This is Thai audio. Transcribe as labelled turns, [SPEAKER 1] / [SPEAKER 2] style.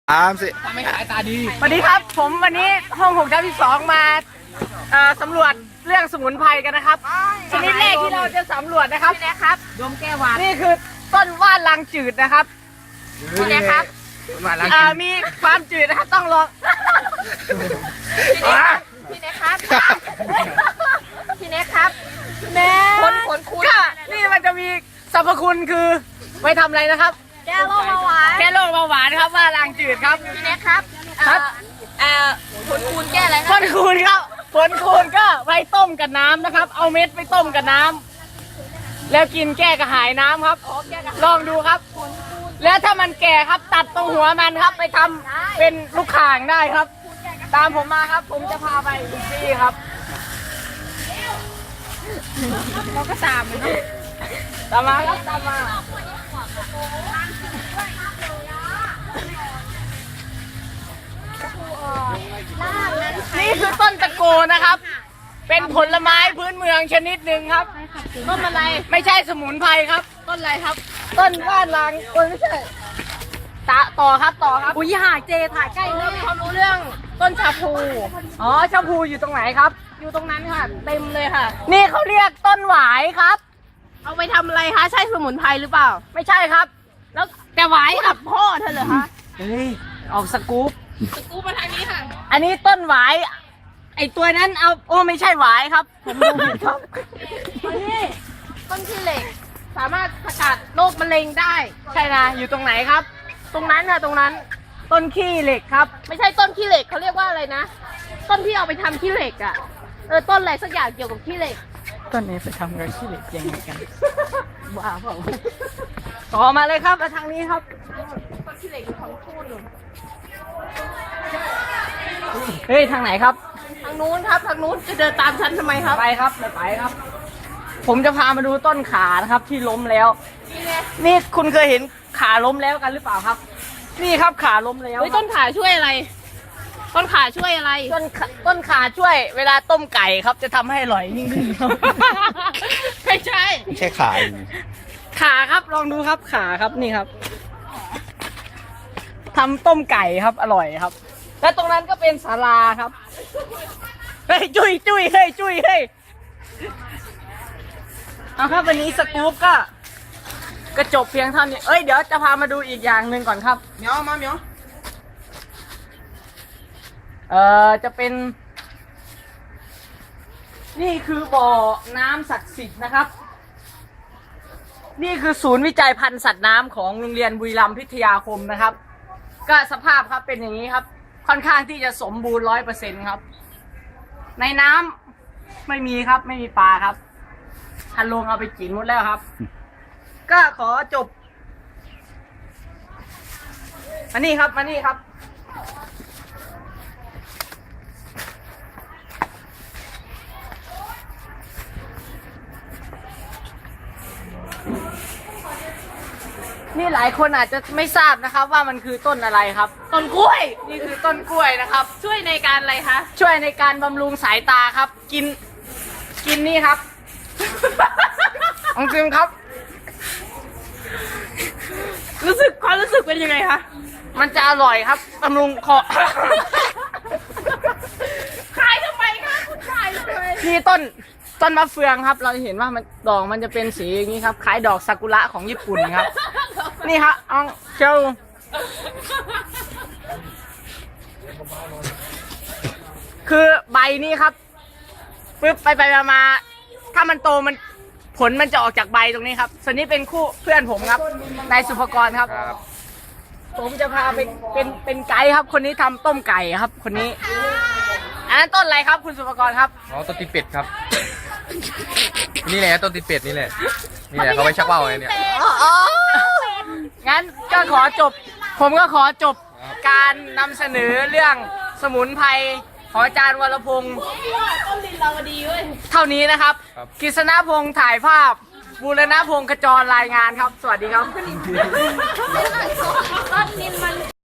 [SPEAKER 1] สิ
[SPEAKER 2] ทำให้ขายตาดี
[SPEAKER 3] สวัสดีครับผมวันนี้ห้อง6/2มาสำรวจเรื่องสมุนไพรกันนะครับชนิดแรกที่เราจะสำรวจนะครับนี่นะครับ
[SPEAKER 2] ดมแก้วหวาน
[SPEAKER 3] นี่คือต้นว่านลางจืดนะครับนี่นะครับมีความจืดนะครับต้องลอง
[SPEAKER 4] พี่เน็กครับพี่เน็กครับ
[SPEAKER 3] แม่
[SPEAKER 4] ขนคุณ
[SPEAKER 3] ก็นี่มันจะมีสรรพคุณคือไว้ทำอะไรนะครับ
[SPEAKER 4] แก้โรคเบาหวาน
[SPEAKER 3] แก้โรคเบาหวานครับว่านลางจืดครับ
[SPEAKER 4] พี่เน็กครับขนคูณแก้อะไรค
[SPEAKER 3] ผ
[SPEAKER 4] รับ
[SPEAKER 3] ลคูณครับผลคูณก็ไว้ต้มกับน้ำนะครับเอาเม็ดไปต้มกับน้ำแล้วกินแก้กระหายน้ำครับลองดูครับแล้วถ้ามันแก่ครับตัดตรงหัวมันครับไปทำเป็นลูกข่างได้ครับ ตามผมมาครับผมจะพาไปอีกที่ครับเราก็ตามเลยครับตามมาครับตามมานี่คือต้นตะโกนะครับ เป็นผลไม้พื้นเมืองชนิดหนึ่งครับต้นอะไรไม่ใช่สมุนไพรครับต้นอะไรครับ ต้นว่านลางต้นไม่ใช่ต่อครับอุ้ยหาเจถ่ายใกล้เรื่องความรู้เรื่องต้นชาพูอ๋อชาพูอยู่ตรงไหนครับอยู่ตรงนั้นค่ะเต็มเลยค่ะนี่เขาเรียกต้นหวายครับ
[SPEAKER 4] เอาไปทำอะไรคะใช่สมุนไพรหรือเปล่า
[SPEAKER 3] ไม่ใช่ครับแล้ว
[SPEAKER 4] แต่หวายกับพ่อเธอเหรอคะ
[SPEAKER 3] เฮ้ยออกสกู๊ป
[SPEAKER 4] สกู๊ปมาทางนี้ค่ะ
[SPEAKER 3] อันนี้ต้นหวายไอตัวนั้นเอาโอ้ไม่ใช่หวายครับผมดูผิดครับ
[SPEAKER 4] นี่ต้นขี้เหล็กสามารถสกัดโรคมะเร็งได้
[SPEAKER 3] ใช่นะอยู่ตรงไหนครับตรงนั้นค่ะตรงนั้นต้นขี้เหล็กครับ
[SPEAKER 4] ไม่ใช่ต้นขี้เหล็กเขาเรียกว่าอะไรนะต้นที่เอาไปทำขี้เหล็กอ่ะต้นอะไรสักอย่างเกี่ยวกับขี้เหล็ก
[SPEAKER 3] ต้นนี้ไปทำกับขี้เหล็กยังไงกันบ้าเปล่าต่อมาเลยครับมาทางนี้ครับ
[SPEAKER 4] ต้นขี้เหล็กของพูดหนู
[SPEAKER 3] เฮ้ยทางไหนครับ
[SPEAKER 4] ทางนู้นครับทางนู้นจะเดินตามฉันทำไมครับ
[SPEAKER 3] ไปครับไปครับผมจะพามาดูต้นขานะครับที่ล้มแล้วนี่คุณเคยเห็นขาล้มแล้วกันหรือเปล่าครับนี่ครับขาล้มแล้ว
[SPEAKER 4] ต้นขาช่วยอะไรต้นขาช่วยอะไร
[SPEAKER 3] ต้นขาช่วยเวลาต้มไก่ครับจะทำให้อร่อยยิ่งขึ้นครับ
[SPEAKER 4] ไม่ใช่
[SPEAKER 3] ขาครับลองดูครับขาครับนี่ครับทำต้มไก่ครับอร่อยครับและตรงนั้นก็เป็นศาลาครับเฮ้ยจุ้ยเฮ้ยจุ้ยเฮ้ยเอาครับวันนี้สกู๊ปก็จบเพียงเท่านี้เอ้ยเดี๋ยวจะพามาดูอีกอย่างหนึ่งก่อนครับ
[SPEAKER 2] เหมียวมาเหมียว
[SPEAKER 3] จะเป็นนี่คือบ่อน้ำศักดิ์สิทธิ์นะครับนี่คือศูนย์วิจัยพันธุ์สัตว์น้ำของโรงเรียนบุรีรัมย์พิทยาคมนะครับก็สภาพครับเป็นอย่างนี้ครับค่อนข้างที่จะสมบูรณ์ 100% ครับในน้ำไม่มีครับไม่มีปลาครับทันลงเอาไปกินหมดแล้วครับก็ขอจบมานี่ครับนี่หลายคนอาจจะไม่ทราบนะครับว่ามันคือต้นอะไรครับ
[SPEAKER 4] ต้นกล้วย
[SPEAKER 3] นี่คือต้นกล้วยนะครับ
[SPEAKER 4] ช่วยในการอะไรคะ
[SPEAKER 3] ช่วยในการบำรุงสายตาครับกินนี่ครับองซิมครับ
[SPEAKER 4] ความรู้สึกเป็นยังไงคะ
[SPEAKER 3] มันจะอร่อยครับบำรุงคอ
[SPEAKER 4] ขายทำไมคะคุณขายทำไม
[SPEAKER 3] นี่ต้นมะเฟืองครับเราเห็นว่ามันดอกมันจะเป็นสีอย่างนี้ครับคล้ายดอกซากุระของญี่ปุ่นครับนี่ครับเอาเจ้าคือใบนี้ครับปึ๊บไปมาถ้ามันโตมันผลมันจะออกจากใบตรงนี้ครับส่วนนี้เป็นคู่เพื่อนผมครับนายสุภกรครับผมจะพาไปเป็นไกด์ครับคนนี้ทำต้มไก่ครับคนนี้อันนั้นต้นอะไรครับคุณสุภกรครับ
[SPEAKER 1] อ๋อต้นตีเป็ดครับนี่แหละต้นตีเป็ดนี่แหละเขาไว้ชักว่าวไงเนี่ย
[SPEAKER 3] งั้นก็ผมก็ขอจบการนำเสนอเรื่องสมุนไพรของอาจารย์วรพงศ์เท่านี้นะครับกฤษณพงศ์ถ่ายภาพบูรณพงศ์ขจรรายงานครับสวัสดีครับ